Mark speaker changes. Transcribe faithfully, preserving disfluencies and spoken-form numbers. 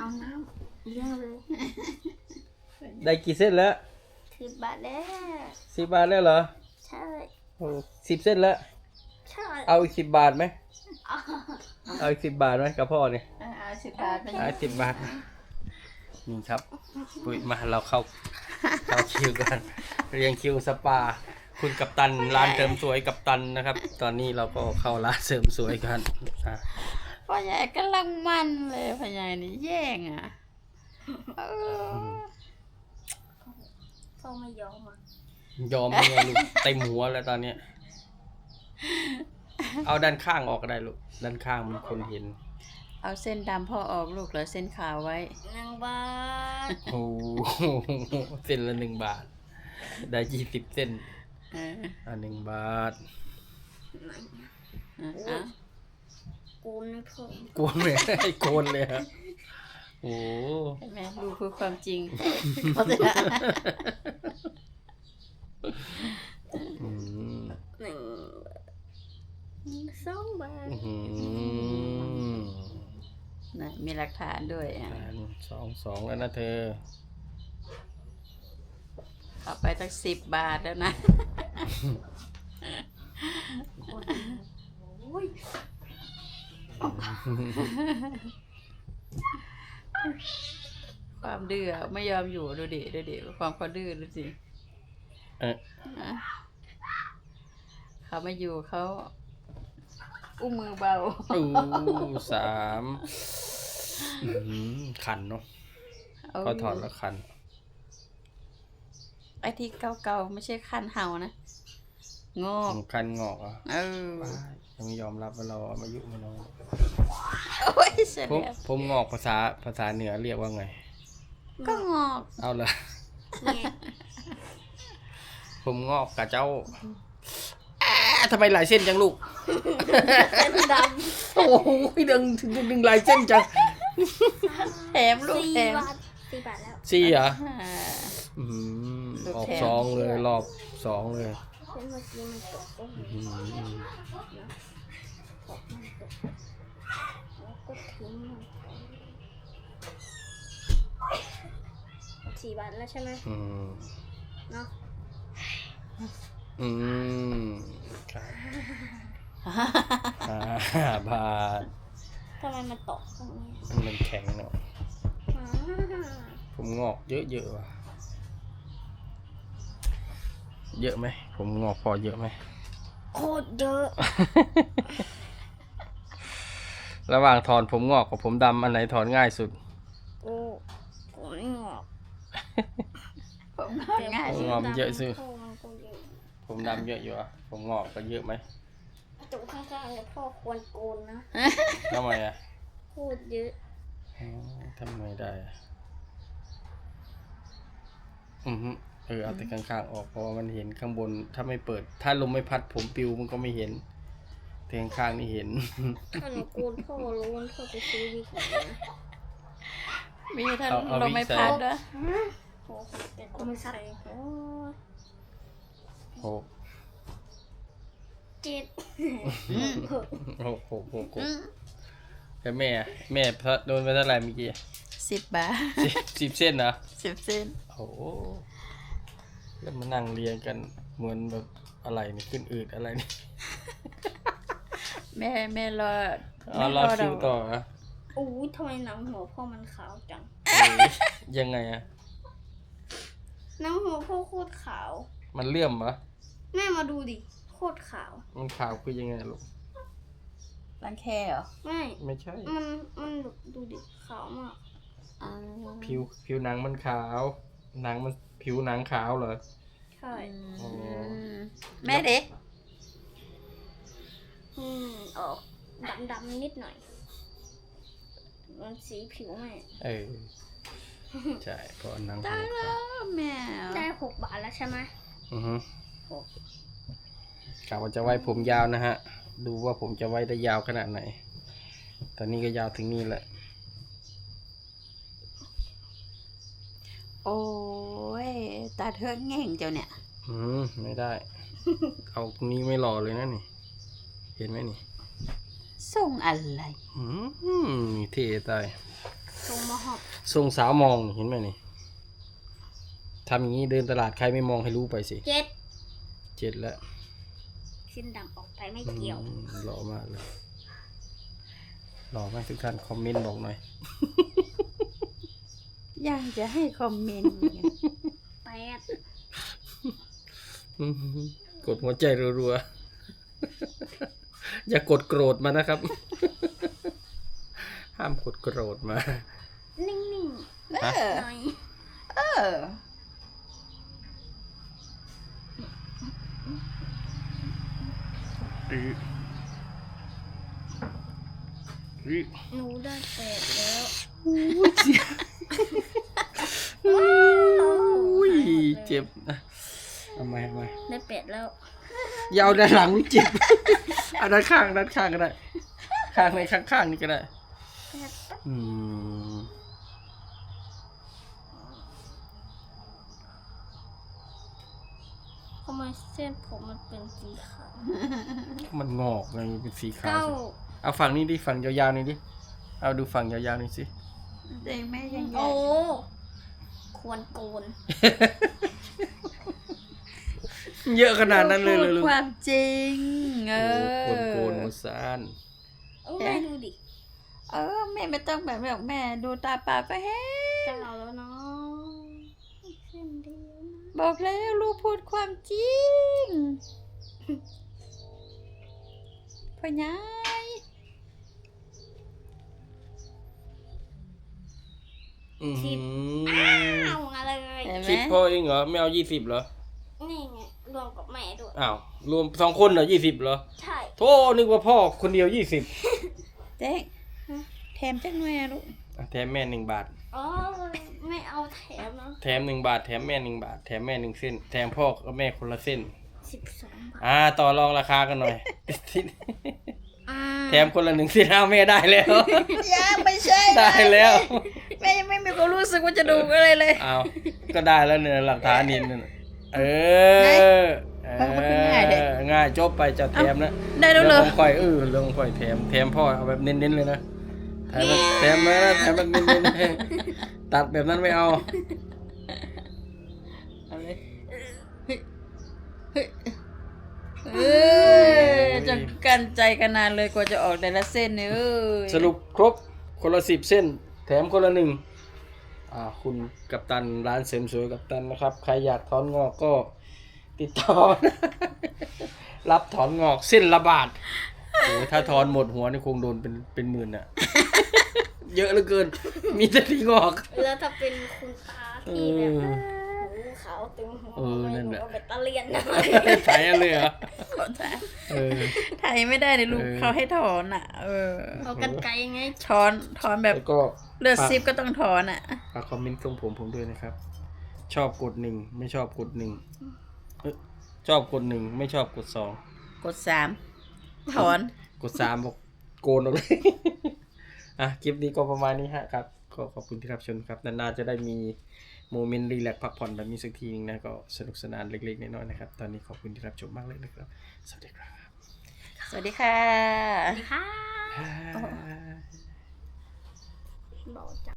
Speaker 1: เอาน้ำเลี้ยงเลย
Speaker 2: ได้กี่เส้นแล้ว
Speaker 1: สิบบาทแล้ว
Speaker 2: สิบบาทแล้วเหรอ
Speaker 1: ใช่
Speaker 2: โอ้สิบเส้นแล้ว
Speaker 1: ใช่
Speaker 2: เอาอีกสิบบาทไหมเอาอีกสิบบาทไหมกับพ่อเนี่ย
Speaker 3: เอาสิบบาทไป
Speaker 2: เอาสิบบาทนี่ครับปุ้ยมาเราเข้าเข้าคิวกันเรียงคิวสปาคุณกัปตันร้านเสริมสวยกัปตันนะครับ ตอนนี้เราก็เข้าร้านเสริมสวยกัน
Speaker 3: พ่อใหญ่กำลังมันเลยพ่อใหญ่นี่แย่งอ่ะ
Speaker 1: พ่อไม่ยอมอ่ะ
Speaker 2: ยอมยังไงลูกเต็มหัวแล้วตอนนี้เอาด้านข้างออกก็ได้ลูกด้านข้างมันคนเห็น
Speaker 3: เอาเส้นดำพ่อออกลูกเหลือเส้นขาวไว้
Speaker 1: หนึ่งบาท
Speaker 2: โอ้เส้นละหนึ่งบาทได้ยี่สิบเส้นอ่าหนึ่งบาท
Speaker 1: อ่ะโกนไม่พอ
Speaker 2: โกนเลยให้โกนเลยฮะโอ้
Speaker 3: แม่ดูคือความจริง
Speaker 1: หนึ่งสองบาท
Speaker 3: นะมีหลักฐานด้วยอ่ะ
Speaker 2: สองสองแล้วนะเธอ
Speaker 3: เอาไปตั้งสิบบาทแล้วนะความดื้อไม่ยอมอยู่ดูดิดูดิความเขาดื้อดูสิ
Speaker 2: เออ
Speaker 3: เขาไม่อยู่เขาอุ้มมือเบา
Speaker 2: อู้สามขันเนาะเขาถอดแล้วขัน
Speaker 3: ไอ้ที่เก่าๆไม่ใช่คันเห่านะงอก
Speaker 2: คันงอกอ่ะ
Speaker 3: เออ
Speaker 2: ยังไม่ยอมรับว่าเราอายุไม่น้อย
Speaker 3: ผม
Speaker 2: ผมงอกภาษาภาษาเหนือเรียกว่าไง
Speaker 3: ก็งอก
Speaker 2: เอาเลยผมงอกกับเจ้าทำไมหลายเส้นจังลูก
Speaker 1: เส้นดำ
Speaker 2: โอ้โหดึงดึงดึงหลายเส้นจัง
Speaker 3: แถมลูกแถม
Speaker 1: สี่บาทแล้ว
Speaker 2: สี่เหรอออกสองเลยรอบสองเลย
Speaker 1: เส้นเมื่อกี้มันตกก็ทิ้งสี่บาทแล้วใช่ไหมเนาะ
Speaker 2: อืมครับห้าบาท
Speaker 1: ทำไมมันตกตรงนี้
Speaker 2: มันแข็งเนาะผมงอกเยอะๆว่ะเยอะไหมผมงอกพอเยอะไหม
Speaker 1: โคตรเยอะ
Speaker 2: ระหว่างถอนผมงอกกับผมดำอันไหนถอนง่ายสุด
Speaker 1: โอ้ผมงอก
Speaker 3: ผมงอกง่ายสุด
Speaker 2: งอกเยอะสุดผมดำเยอะอยู่อ่ะผมงอกก็เยอะไหม
Speaker 1: ตรงข้างๆเนี่ยพ่อควรโกนนะ
Speaker 2: ทำไมอ่ะ
Speaker 1: โคตรเยอะ
Speaker 2: ทำไมได้อือเออเอาแต่ข้างๆออกเพราะว่ามันเห็นข้างบนถ้าไม่เปิดถ้าลมไม่พัดผมปิวมันก็ไม่เห็นแต่ข้างๆนี่เห็น
Speaker 1: ถ้าหนูโกนพ่อรู้ว่าพ่อจะซื้อวิกไหน
Speaker 3: มีท่านลมไม่พัดด้วย
Speaker 1: โอ้แต่ก็ไม่ใส่โอ้
Speaker 2: หก
Speaker 1: เจ็ด
Speaker 2: หกหกหกหกแต่แม่แม่พระโดนไปเท่าไหร่เมื่อกี้
Speaker 3: สิบบาท
Speaker 2: สิบเส้นเหรอ
Speaker 3: สิบเส้น
Speaker 2: โอ้แล้วมานั่งเรียงกันเหมือนแบบอะไรนี่ขึ้นอืดอะไรนี่
Speaker 3: แม่แม่รอ
Speaker 2: อ๋อรอคิวต่อนะ
Speaker 1: โอ้ยทำไมหนังหัวพ่อมันขาวจัง
Speaker 2: ยังไงอะ
Speaker 1: หนังหัวพ่อโคตรขาว
Speaker 2: มันเลื่อมปะ
Speaker 1: แม่มาดูดิโคตรขาว
Speaker 2: มันขาวคือยังไงลูก
Speaker 3: รังแคเหรอ
Speaker 1: ไม่
Speaker 2: ไม่ใช่
Speaker 1: มันมันดูดิขาวมาก
Speaker 2: ผิวผิวหนังมันขาวหนังมันผิวหนังขาวเหรอ
Speaker 1: ใช่
Speaker 3: แม่เด็ก
Speaker 1: อืมออกดำดำนิดหน่อยมันสีผิวแม่
Speaker 2: เออใช่เพราะหนัง
Speaker 3: ได้แล้วแม่
Speaker 1: ได้หกบาทแล้วใช่ไหม
Speaker 2: อือฮึกะว่าจะไว้ผมยาวนะฮะดูว่าผมจะไว้ได้ยาวขนาดไหนตอนนี้ก็ยาวถึงนี่แหละ
Speaker 3: โอ้ยตาเธอแง่งเจ้าเนี่ย
Speaker 2: อืมไม่ได้เอานี้ไม่หล่อเลยนะนี่เห็นไหมนี่
Speaker 3: ส่งอะไร
Speaker 2: อืมเท่ตาย
Speaker 1: ทรงมอหอบ
Speaker 2: ทรงสาวมองเห็นไหมนี่ทำอย่างนี้เดินตลาดใครไม่มองให้รู้ไปสิ
Speaker 1: เจ็ด
Speaker 2: เจ็ดแล้ว
Speaker 1: สิ้นดำออกไปไม่เกี่ยว
Speaker 2: อืมหล่อมากเลยหล่อมากทุกท่านคอมเมนต์บอกหน่อย
Speaker 3: อยากจะให้คอมเมนต์ไง
Speaker 1: แปด
Speaker 2: อืมกดหัวใจรัวๆ อย่ากดโกรธมานะครับ ห้ามกดโกรธมา
Speaker 1: นิ่ง
Speaker 3: เออ
Speaker 1: ๆหน่อย
Speaker 3: เออ
Speaker 2: อืออือ
Speaker 1: หนูได้แปดแล้ว
Speaker 2: อุ้ยเจ็บนะเอามาเอามา
Speaker 1: ได้แปดแล้ว
Speaker 2: อยาวด้านหลังนี่เจ็บ เอาด้านข้างด้านข้างก็ได้ ข้างในข้างข้างๆนี่ก็ได้
Speaker 1: แปดปั๊บ
Speaker 2: อืม
Speaker 1: ทำไมเส้นผมมันเป็นสีขาว
Speaker 2: มันงอกไงเป็นสีขาว
Speaker 1: เก้า
Speaker 2: เอาฝั่งนี้ดิฝั่งยาวๆนี่ดิเอาดูฝั่งยาวๆนี่สิ
Speaker 3: เด็กแม่ยัง
Speaker 1: โอ้ควรโกน
Speaker 2: เยอะขนาดนั้นเลยเลย
Speaker 3: พู
Speaker 2: ลู
Speaker 3: ด
Speaker 2: ก
Speaker 3: ความจริง เอ
Speaker 2: โอ้
Speaker 3: อ
Speaker 2: โกนโกนซาน
Speaker 1: เอาแม่ดูดิ
Speaker 3: เออแม่ไม่ต้องแบบแบบแม่ดูตาเปล่าก็เห็น
Speaker 1: เก้าแล้วเนาะอีกเส้นเดียวนะ
Speaker 3: บอกแล้วลูกพูดความจริงพ่อใหญ่
Speaker 2: อือหือ
Speaker 1: เอาอะไร
Speaker 3: เห็นไหม
Speaker 2: สิบพอเองเหรอไม่เอายี่สิบเหรอ
Speaker 1: นี่ไงรวมกับแม่ด้วย
Speaker 2: อ้าวรวมสองคนเหรอยี่สิบเหรอ
Speaker 1: ใช่
Speaker 2: โธ่นึกว่าพ่อคนเดียวยี่สิบ
Speaker 3: เจ๊กแถมจังหน่อยอะลูก
Speaker 2: แถมแม่หนึ่งบาท
Speaker 1: อ๋อไม่เอาแถมนะ
Speaker 2: แถมหนึ่งบาทแถมแม่หนึ่งบาทแถมแม่หนึ่งเส้นแถมพ่อกับแม่คนละเส้น
Speaker 1: สิบสองบาท
Speaker 2: อ่าต่อรองราคากันหน่อย
Speaker 1: อ่า
Speaker 2: แถมคนละหนึ่งเส้นเอาแม่ได้แล้ว
Speaker 3: ยังไม่ใช่
Speaker 2: ได้แล้ว
Speaker 3: แม่ยังไม่มีความรู้สึกว่าจะดูอะไรเลย
Speaker 2: เอาก็ได้แล้วเนี่ยหลักฐานนินนน่ะเออเอ
Speaker 3: มันมันคือง่ายเด็ก
Speaker 2: อง่ายจบไปจะแถมนะ
Speaker 3: ได้แล้วเหรอ
Speaker 2: องของข่อยเออเรื่องของข่อยแถมแถมพ่อเอาแบบเน้นๆเลยนะแถมแบบแถมนะแถมแบบเน้นๆตัดแบบนั้นไม่เอา
Speaker 3: เอาเลยเฮ้ยเฮ้ยเออจะกันใจกันนานเลยกว่าจะออกแต่ละเส้นเนี่ยเอ้ย
Speaker 2: สรุปครบคนละสิบเส้น แถมคนละหนึ่งอ่าคุณกัปตันร้านเสริมสวยกัปตันนะครับ ใครอยากถอนงอกก็ติดต่อ รับถอนงอกเส้นละบาทโอ้ยถ้าถอนหมดหัวนี่คงโดนเป็นเป็นหมื่นอะ เยอะเหลือเกิน มีแต่ที่งอก
Speaker 1: แล้วถ้าเป็นคุณตาที่แบบ
Speaker 2: เออ
Speaker 1: หูขาวเต็มหัว
Speaker 2: เออนั่นแหละ
Speaker 1: เอาเบ็ดตะเลียนนะ
Speaker 2: ใช้เลยเหรอ
Speaker 3: ขอโทษ
Speaker 2: เออ
Speaker 3: ไทยไม่ได้เลยลูก
Speaker 2: เออ
Speaker 3: เขาให้ถอนอ่ะ เออ
Speaker 1: เอากันไกลไง
Speaker 3: ถอนถอนแบบ
Speaker 2: แล้วก็
Speaker 3: เลือดซิปก็ต้องถอนอ่ะ
Speaker 2: ฝากคอมเมนต์ตรงผมผมด้วยนะครับ ชอบกดหนึ่งไม่ชอบกดหนึ่งเอ้ยชอบกดหนึ่งไม่ชอบกดสอง
Speaker 3: กดสามถอน
Speaker 2: กดสามบอกโกนออกเลย อ่ะคลิปนี้ก็ประมาณนี้ฮะครับก็ขอบคุณที่รับชมครับนานๆจะได้มีโมเมนต์รีแลกซ์พักผ่อนแบบนี้สักทีนึงนะก็สนุกสนานเล็กๆน้อยๆนะครับตอนนี้ขอบคุณที่รับชมมากเลยนะครับสวัสดีครับ
Speaker 3: สวัสดีค่ะ
Speaker 1: สวัสดีค่ะบอกจัง